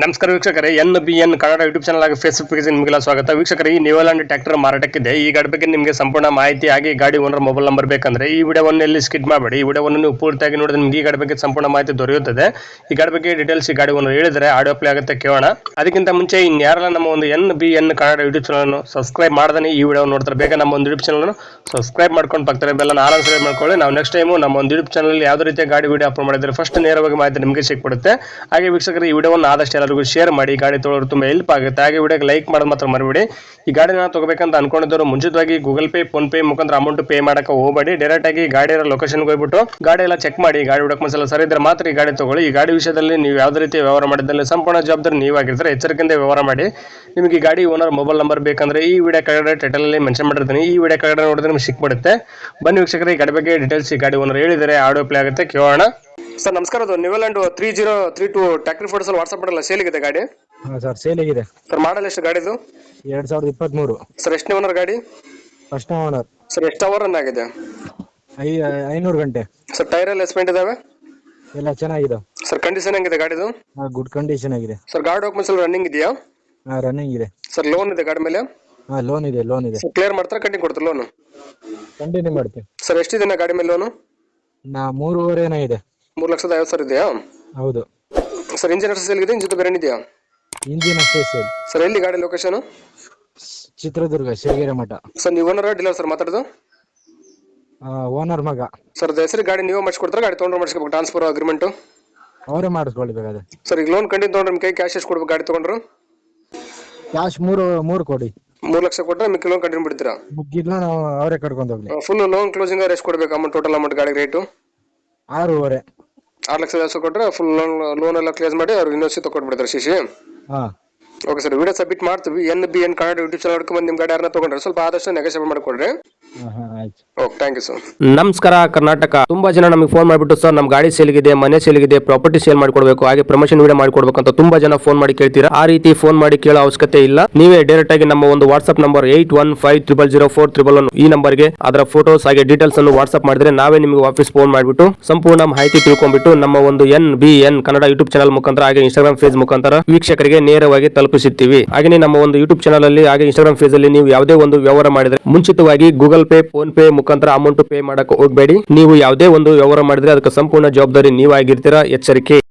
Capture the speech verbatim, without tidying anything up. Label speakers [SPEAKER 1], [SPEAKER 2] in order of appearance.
[SPEAKER 1] ನಮಸ್ಕಾರ ವೀಕ್ಷಕರೇ, N B N Kannada YouTube channel ಹಾಗೂ ಫೇಸ್ಬುಕ್ ಪೇಜ್ ನಿಮಗೆಲ್ಲ ಸ್ವಾಗತ. ವೀಕ್ಷಕರೇ, ಈ ನ್ಯೂಲ್ಯಾಂಡ್ ಟ್ರ್ಯಾಕ್ಟರ್ ಮಾರಾಟಕ್ಕಿದೆ. ಈ ಗಾಡಿ ಬಗ್ಗೆ ನಿಮಗೆ ಸಂಪೂರ್ಣ ಮಾಹಿತಿ ಆಗಿ ಗಾಡಿ ಓನರ್ ಮೊಬೈಲ್ ನಂಬರ್ ಬೇಕಂದ್ರೆ ಈ ವಿಡಿಯೋವನ್ನು ಎಲ್ಲಿ ಸ್ಕಿಪ್ ಮಾಡಬೇಡಿ. ಈ ವಿಡಿಯೋವನ್ನು ನೀವು ಪೂರ್ತಿಯಾಗಿ ನೋಡಿದ್ರೆ ನಿಮಗೆ ಈ ಗಾಡಿ ಬಗ್ಗೆ ಸಂಪೂರ್ಣ ಮಾಹಿತಿ ದೊರೆಯುತ್ತದೆ. ಈ ಗಾಡಿ ಬಗ್ಗೆ ಡೀಟೇಲ್ಸ್ ಈ ಗಾಡಿ ಓನರ್ ಹೇಳಿದರೆ ಆಡಿಯೋ ಪ್ಲೇ ಆಗುತ್ತೆ, ಕೇಳೋಣ. ಅದಕ್ಕಿಂತ ಮುಂಚೆ ಇನ್ಯಾರೆಲ್ಲ ನಮ್ಮ ಒಂದು N B N Kannada YouTube channel subscribe ಮಾಡ್ದೆ ಈ ವಿಡಿಯೋ ನೋಡ್ತಾರೆ, ಬೇಗ ನಮ್ಮ ಒಂದು ಯೂಟ್ಯೂಬ್ ಚಾನಲ್ ಸಬ್ಸ್ಕ್ರೈಬ್ ಮಾಡ್ಕೊಂಡು ಬರ್ತಾರೆ, ಬೆಲ್ಲ ಆರಾಮ್ ಸಬ್ಸ್ಕ್ರೈಬ್ ಮಾಡ್ಕೊಳ್ಳಿ. ನಾವು ನೆಕ್ಸ್ಟ್ ಟೈಮು ನಮ್ಮ ಒಂದು ಯೂಟ್ಯೂಬ್ ಚಾನಲ್ ಯಾವುದೇ ರೀತಿಯ ಗಾಡಿ ವಿಡಿಯೋ ಅಪ್ಲೋಡ್ ಮಾಡಿದ್ರೆ ಫಸ್ಟ್ ನೇರವಾಗಿ ಮಾಹಿತಿ ನಿಮಗೆ ಸಿಕ್ಬಿಡುತ್ತೆ. ಹಾಗೆ ವೀಕ್ಷಕರು, ಈ ವಿಡಿಯೋವನ್ನು ಆದಷ್ಟು ಎಲ್ಲರಿಗೂ ಶೇರ್ ಮಾಡಿ, ಗಾಡಿ ತೊಗೊಳ್ಳೋರು ತುಂಬ ಹೆಲ್ಪ್ ಆಗುತ್ತೆ. ಹಾಗೆ ವಿಡಿಯೋಗೆ ಲೈಕ್ ಮಾಡೋದು ಮಾತ್ರ ಮರಿಬೇಡಿ. ಈ ಗಾಡಿನ ತಗೋಬೇಕಂತ ಅನ್ಕೊಂಡಿದ್ದವರು ಮುಂಚಿತವಾಗಿ ಗೂಗಲ್ ಪೇ, ಫೋನ್ ಪೇ ಮುಖಾಂತರ ಅಮೌಂಟ್ ಪೇ ಮಾಡಕ್ಕೆ ಹೋಗಬೇಡಿ. ಡೈರೆಕ್ಟ್ ಆಗಿ ಗಾಡಿ ಇರೋ ಲೊಕೇಶನ್ಗೆ ಹೋಗ್ಬಿಟ್ಟು ಗಾಡಿ ಎಲ್ಲ ಚೆಕ್ ಮಾಡಿ, ಗಾಡಿ ಡಾಕ್ಯುಮೆಂಟ್ಸ್ ಎಲ್ಲ ಸರಿ ಇದ್ರೆ ಮಾತ್ರ ಈ ಗಾಡಿ ತಗೊಳ್ಳಿ. ಈ ಗಾಡಿ ವಿಷಯದಲ್ಲಿ ನೀವು ಯಾವುದೇ ರೀತಿ ವ್ಯವಹಾರ ಮಾಡಿದಲ್ಲಿ ಸಂಪೂರ್ಣ ಜವಾಬ್ದಾರಿ ನೀವಾಗಿರ್ತಾರೆ. ಎಚ್ಚರಿಕೆಯಿಂದ ವ್ಯವಹಾರ ಮಾಡಿ. ನಿಮಗೆ ಈ ಗಾಡಿ ಓನರ್ ಮೊಬೈಲ್ ನಂಬರ್ ಬೇಕಂದ್ರೆ ಈ ವಿಡಿಯೋ ಕೆಳಗಡೆ ಟೈಟಲ್ ಅಲ್ಲಿ ಮೆನ್ಷನ್ ಮಾಡಿರ್ತೀನಿ, ಈ ವಿಡಿಯೋ ಕೆಳಗಡೆ ನೋಡಿದ್ರೆ ನಿಮ್ಗೆ ಸಿಕ್ಬಿಡುತ್ತೆ. ಬನ್ನಿ ವೀಕ್ಷಕರೇ, ಈ ಗಾಡಿ ಬಗ್ಗೆ ಡೀಟೇಲ್ಸ್ ಈ ಗಾಡಿ ಓನರ್ ಹೇಳಿದರೆ ಆಡಿಯೋ ಪ್ಲೇ ಆಗುತ್ತೆ, ಕೇಳೋಣ. ಸರ್ ನಮಸ್ಕಾರ, ಅದು New Holland three zero three two tractor photos ಅಲ್ಲಿ ವಾಟ್ಸ್ಆಪ್ ಮಾಡಲ್ಲ, ಸೇಲಿಗಿದೆ ಗಾಡಿ?
[SPEAKER 2] ಹಾಂ ಸರ್, ಸೇಲ್ ಆಗಿದೆ
[SPEAKER 1] ಸರ್. ಮಾಡಲ್ ಎಷ್ಟು ಗಾಡಿದು?
[SPEAKER 2] ಎರಡ್ ಸಾವಿರದ ಇಪ್ಪತ್ಮೂರು.
[SPEAKER 1] ಸರ್ ಎಷ್ಟನೇ ಓನರ್ ಗಾಡಿ?
[SPEAKER 2] First owner.
[SPEAKER 1] ಸರ್ ಎಷ್ಟು ಅವರ್ ರನ್ ಆಗಿದೆ?
[SPEAKER 2] ಐ ಐನೂರು ಗಂಟೆ.
[SPEAKER 1] ಸರ್ ಟೈರ್ ಎಲ್ಲ ಎಸ್ಪೆಂಟ್ ಇದಾವೆ?
[SPEAKER 2] ಎಲ್ಲ ಚೆನ್ನಾಗಿದೆ
[SPEAKER 1] ಸರ್. ಕಂಡೀಷನ್ ಹೆಂಗಿದೆ ಗಾಡಿದು?
[SPEAKER 2] ಗುಡ್ ಕಂಡೀಷನ್ ಆಗಿದೆ
[SPEAKER 1] ಸರ್. ಗಾಡಿ ಡಾಕ್ಯುಮೆಂಟ್ಸ್ ಎಲ್ಲ ರನ್ನಿಂಗ್ ಇದೆಯಾ?
[SPEAKER 2] ಹಾಂ, ರನ್ನಿಂಗ್ ಇದೆ
[SPEAKER 1] ಸರ್. ಲೋನ್ ಇದೆ ಗಾಡಿ ಮೇಲೆ?
[SPEAKER 2] ಹಾಂ, ಲೋನ್ ಇದೆ ಲೋನ್ ಇದೆ
[SPEAKER 1] ಕ್ಲಿಯರ್ ಮಾಡ್ತಾರೆ, ಕಂಟಿನ್ಯೂ ಕೊಡ್ತಾರೆ ಲೋನು?
[SPEAKER 2] ಕಂಟಿನ್ಯೂ ಮಾಡ್ತೀವಿ
[SPEAKER 1] ಸರ್. ಎಷ್ಟಿದೆ ಗಾಡಿ ಮೇಲೆ ಲೋನು?
[SPEAKER 2] ನಾ ಮೂರುವರೆನೇ ಇದೆ.
[SPEAKER 1] ಮೂರು ಲಕ್ಷದ ಐವತ್ತು ಸಾವಿರ ಇದೆಯಾ?
[SPEAKER 2] ಹೌದು
[SPEAKER 1] ಸರ್. ಇಂಜಿನ್ ಎಷ್ಟು ಸೇಲ್ ಇದೆ? ಇಂಜಿನ್ ಬೇರೆ ಇದೆಯಾ?
[SPEAKER 2] ಇಂಜಿನ್ ಅಷ್ಟೇ ಸೇಲ್.
[SPEAKER 1] ಸರ್ ಎಲ್ಲಿ ಗಾಡಿ ಲೊಕೇಶನ್?
[SPEAKER 2] ಚಿತ್ರದುರ್ಗ, ಶಿವಗಿರಿ ಮಠ.
[SPEAKER 1] ಸರ್ ನೀವು ಓನರ್ ಡೀಲರ್ ಸರ್ ಮಾತಾಡೋದು?
[SPEAKER 2] ಓನರ್ ಮಗ.
[SPEAKER 1] ಸರ್ ಹೆಸರು ಗಾಡಿ ನೀವು ಮಾಡಿಸ್ಕೊಡ್ತಾರೆ, ಗಾಡಿ ತೊಗೊಂಡ್ರೆ ಮಾಡಿಸ್ಕೋಬೇಕು ಟ್ರಾನ್ಸ್ಫರ್ ಅಗ್ರಿಮೆಂಟ್?
[SPEAKER 2] ಅವರೇ ಮಾಡಿಸ್ಕೊಳ್ಬೇಕಾದ್ರೆ.
[SPEAKER 1] ಸರ್ ಈಗ ಲೋನ್ ಕಂಟಿನ್ಯೂ ತೊಗೊಂಡ್ರೆ ನಿಮ್ಮ ಕೈ ಕ್ಯಾಶ್ ಎಷ್ಟು ಕೊಡ್ಬೇಕು ಗಾಡಿ ತೊಗೊಂಡ್ರು?
[SPEAKER 2] ಕ್ಯಾಶ್ ಮೂರು ಮೂರು ಕೊಡಿ.
[SPEAKER 1] ಮೂರು ಲಕ್ಷ ಕೊಟ್ಟರೆ ಮಿಕ್ಕಿ ಲೋನ್ ಕಂಟಿನ್ಯೂ ಬಿಡ್ತೀರಾ?
[SPEAKER 2] ಮುಗ್ಗಿದ್ನ ನಾವು ಅವರೇ ಕರ್ಕೊಂಡು ಹೋಗ್ಲಿ.
[SPEAKER 1] ಫುಲ್ ಲೋನ್ ಕ್ಲೋಸಿಂಗ್ ಎಷ್ಟು ಕೊಡ್ಬೇಕು ಅಮೌಂಟ್? ಟೋಟಲ್ ಅಮೌಂಟ್ ಗಾಡಿ ರೇಟು
[SPEAKER 2] ಆರೂವರೆ.
[SPEAKER 1] ಆರು ಲಕ್ಷದ ಐವತ್ತು ಕೊಟ್ಟರೆ ಫುಲ್ ಲೋನ್ ಲೋನ್ ಎಲ್ಲ ಕ್ಲಿಯರ್ ಮಾಡಿ ಅವ್ರು ಇನ್ನೊಂದು ತಗೊಂಡ್ಬಿಡ್ತಾರೆ ಶಿಶಿ.
[SPEAKER 2] ಹಾಂ,
[SPEAKER 1] ಓಕೆ ಸರ್. ವಿಡಿಯೋ ಸಬ್ಮಿಟ್ ಮಾಡ್ತೀವಿ. N B N Kannada YouTube channel ಬಂದು ನಿಮ್ಮ ಗಾಡಿ ಯಾರನ್ನ ತಗೊಂಡ್ರೆ ಸ್ವಲ್ಪ ಆದಷ್ಟು ನೆಗೋಷಿಯೇಟ್ ಮಾಡಿಕೊಡ್ರಿ. Okay, thank you sir.
[SPEAKER 3] ನಮಸ್ಕಾರ ಕರ್ನಾಟಕ. ತುಂಬಾ ಜನ ನಮಗೆ ಫೋನ್ ಮಾಡಿಬಿಟ್ಟು ಸರ್ ನಮ್ಮ ಗಾಡಿ ಸೇಲ್ಗಿದೆ, ಮನೆ ಸೇಲ್ಗಿದೆ, ಪ್ರಾಪರ್ಟಿ ಸೇಲ್ ಮಾಡಿಕೊಡ್ಬೇಕು, ಹಾಗೆ ಪ್ರಮೋಷನ್ ವಿಡಿಯೋ ಮಾಡಿಕೊಡ್ಬೇಕು ಅಂತ ತುಂಬಾ ಜನ ಫೋನ್ ಮಾಡಿ ಕೇಳ್ತೀರಾ. ಆ ರೀತಿ ಫೋನ್ ಮಾಡಿ ಕೇಳೋ ಅವಶ್ಯಕತೆ ಇಲ್ಲ. ನೀವೇ ಡೈರೆಕ್ಟ್ ಆಗಿ ನಮ್ಮ ಒಂದು WhatsApp number eight one five triple zero four triple one ಈ ನಂಬರ್ಗೆ ಅದರ ಫೋಟೋಸ್ ಹಾಗೆ ಡೀಟೇಲ್ಸ್ ಅನ್ನು ವಾಟ್ಸ್ಆಪ್ ಮಾಡಿದ್ರೆ ನಾವೇ ನಿಮಗೆ ವಾಪಸ್ ಫೋನ್ ಮಾಡಿಬಿಟ್ಟು ಸಂಪೂರ್ಣ ಮಾಹಿತಿ ತಿಳ್ಕೊಂಡ್ಬಿಟ್ಟು ನಮ್ಮ ಒಂದು N B N Kannada YouTube channel ಮುಖಾಂತರ ಹಾಗೆ ಇನ್ಸ್ಟಾಗ್ರಾಮ್ ಫೇಸ್ ಮುಖಾಂತರ ವೀಕ್ಷಕರಿಗೆ ನೇರವಾಗಿ ತಲುಪಿಸುತ್ತೀವಿ. ಹಾಗೆ ನಮ್ಮ ಒಂದು ಯೂಟ್ಯೂಬ್ ಚಾನಲ್ ಅಲ್ಲಿ ಹಾಗೆ ಇನ್ಸ್ಟಾಗ್ರಾಮ್ ಫೇಸ್ ಅಲ್ಲಿ ನೀವು ಯಾವುದೇ ಒಂದು ವ್ಯವಹಾರ ಮಾಡಿದ್ರೆ ಮುಂಚಿತವಾಗಿ ಗೂಗಲ್ ಪೇ, ಫೋನ್ ಪೇ ಮುಖಾಂತರ ಅಮೌಂಟ್ ಪೇ ಮಾಡಕ್ಕೆ ಹೋಗಬೇಡಿ. ನೀವು ಯಾವುದೇ ಒಂದು ವ್ಯವಹಾರ ಮಾಡಿದ್ರೆ ಅದಕ್ಕೆ ಸಂಪೂರ್ಣ ಜವಾಬ್ದಾರಿ ನೀವಾಗಿರ್ತೀರಾ. ಎಚ್ಚರಿಕೆ.